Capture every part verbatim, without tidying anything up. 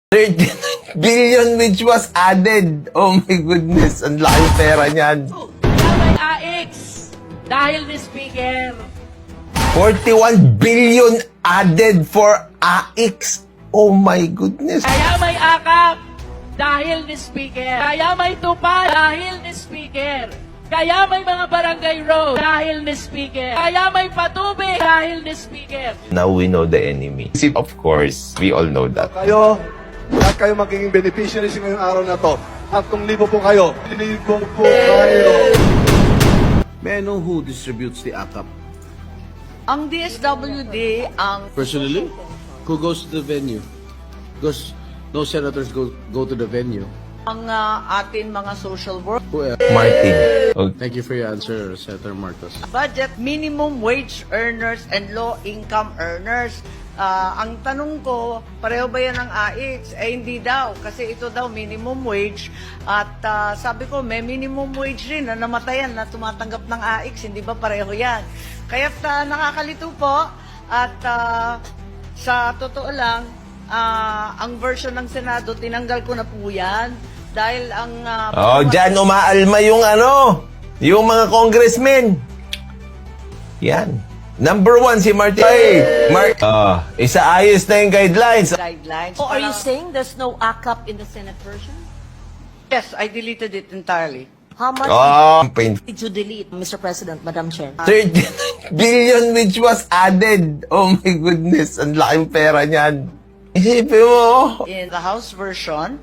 thirty-nine billion which was added. Oh my goodness, ang laking pera niyan. Kaya may A X dahil ni Speaker. forty-one billion added for A X. Oh my goodness. Kaya may akap dahil ni Speaker. Kaya may tupa dahil ni Speaker. Kaya may mga barangay road dahil ni Speaker. Kaya may patubig dahil ni Speaker. Now we know the enemy. Of course, we all know that. Kayo, lahat kayo magiging beneficiaries ngayong araw na to. At kung libo po kayo, libo po kayo. May I know who distributes the A C A P? Ang D S W D, ang... Personally? Who goes to the venue? Because no senators go go to the venue. ang uh, atin mga social work. Who else? Martin. Okay. Thank you for your answer, Senator Marcos. Budget, minimum wage earners and low income earners. Ah, ang tanong ko, pareho ba yan ng A X? Eh, hindi daw. Kasi ito daw minimum wage. At ah, sabi ko, may minimum wage rin na namatayan na tumatanggap ng A X. Hindi ba pareho yan? Kaya nakakalito po. At ah, sa totoo lang, ah, ang version ng Senado, tinanggal ko na po yan. Dahil ang... ah, Oh, dyan umaalma yung ano, yung mga congressmen. Yan. Number one, si Martin. Ay, Mar uh, isaayos na yung guidelines. guidelines. Oh, are you Para- saying there's no A C A P in the Senate version? Yes, I deleted it entirely. How much Oh, pain. did you delete, Mister President, Madam Chair? thirty-nine billion which was added. Oh my goodness, ang laking pera niyan. Isipin mo, In the House version,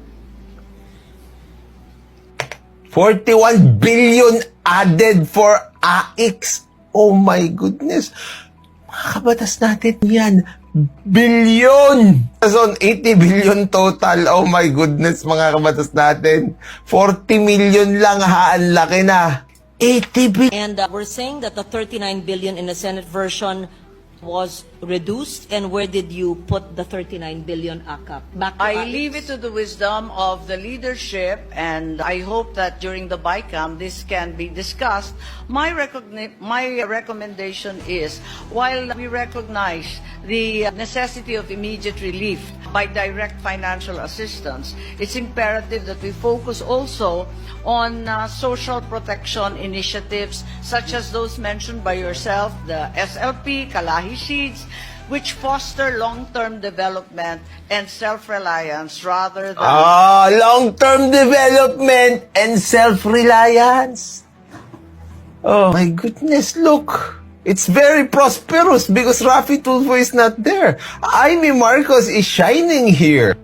forty-one billion added for A X. Oh my goodness. Mga kabatas natin yan. Billion! So, eighty billion total. Oh my goodness, mga kabatas natin. forty million lang ha, ang laki na. eighty billion. And uh, we're saying that the thirty-nine billion in the Senate version was reduced. And where did you put the thirty-nine billion A C A P? Back to I A X? leave it to the wisdom of the leadership, and I hope that during the BICAM this can be discussed. My, recogni- my recommendation is, while we recognize the necessity of immediate relief by direct financial assistance, it's imperative that we focus also on uh, social protection initiatives such as those mentioned by yourself, the S L P, Kalahi Seeds, which foster long-term development and self-reliance rather than... Ah, long-term development and self-reliance. Oh my goodness, look. It's very prosperous because Rafi Tulfo is not there. Amy Marcos is shining here.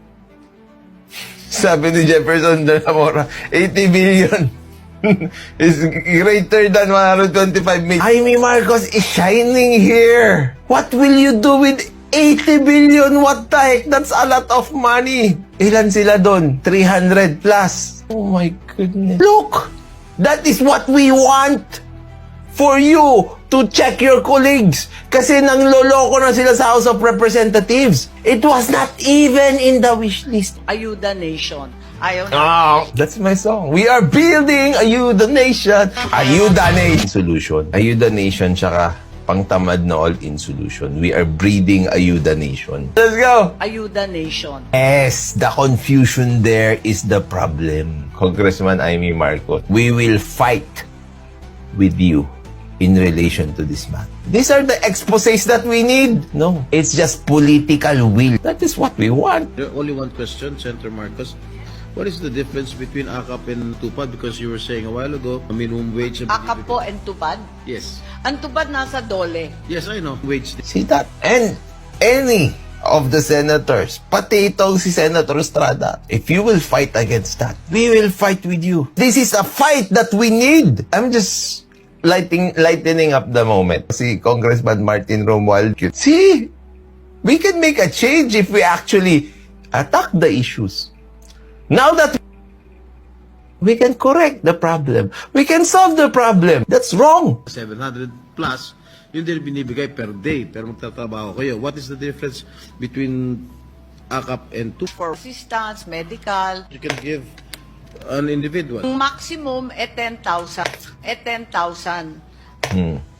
Sabi ni Jefferson de la Mora, eighty billion is greater than one hundred twenty-five million. Amy Marcos is shining here. What will you do with eighty billion? What the heck? That's a lot of money. Ilan sila doon? three hundred plus. Oh my goodness. Look, that is what we want for you to check your colleagues. Kasi nang loloko na sila sa House of Representatives. It was not even in the wish list. Ayuda Nation. Ayaw na. Oh, that's my song. We are building Ayuda Nation. Ayuda Nation. Solution. Ayuda Nation tsaka pangtamad na all-in solution. We are breeding Ayuda Nation. Let's go! Ayuda Nation. Yes, the confusion there is the problem. Congressman Amy Marcos, we will fight with you in relation to this matter. These are the exposés that we need. No, it's just political will. That is what we want. There only one question, Senator Marcos. What is the difference between A C A P and TUPAD? Because you were saying a while ago, a minimum wage... and- Akap po and tupad. Yes. Ang tupad nasa dole. Yes, I know. Wage. See that? And any of the senators, pati itong si Senator Estrada, if you will fight against that, we will fight with you. This is a fight that we need. I'm just lighting, lightening up the moment. Si Congressman Martin Romuald, see, we can make a change if we actually attack the issues. Now that we can correct the problem, we can solve the problem. That's wrong. seven hundred plus, yun din binibigay per day. Pero magtatrabaho kayo. What is the difference between A C A P and TUPAD? For assistance, medical. You can give an individual. Ang maximum e ten thousand. E ten thousand. Hmm.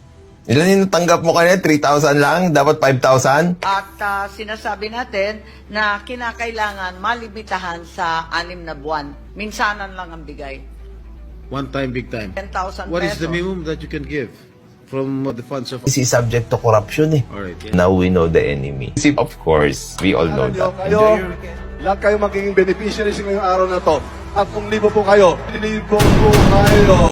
Ilan yung natanggap mo kanina? three thousand lang? Dapat five thousand? At ah, sinasabi natin na kinakailangan malimitahan sa anim na buwan. Minsanan lang ang bigay. One time, big time. ten thousand What is the pesos. minimum that you can give from uh, the funds of... This is subject to corruption eh. Alright, yeah. Now we know the enemy. Of course, we all know Alam nyo, that. kayo, lahat kayo magiging beneficiaries ngayong araw na to. At kung libo po kayo, libo po kayo.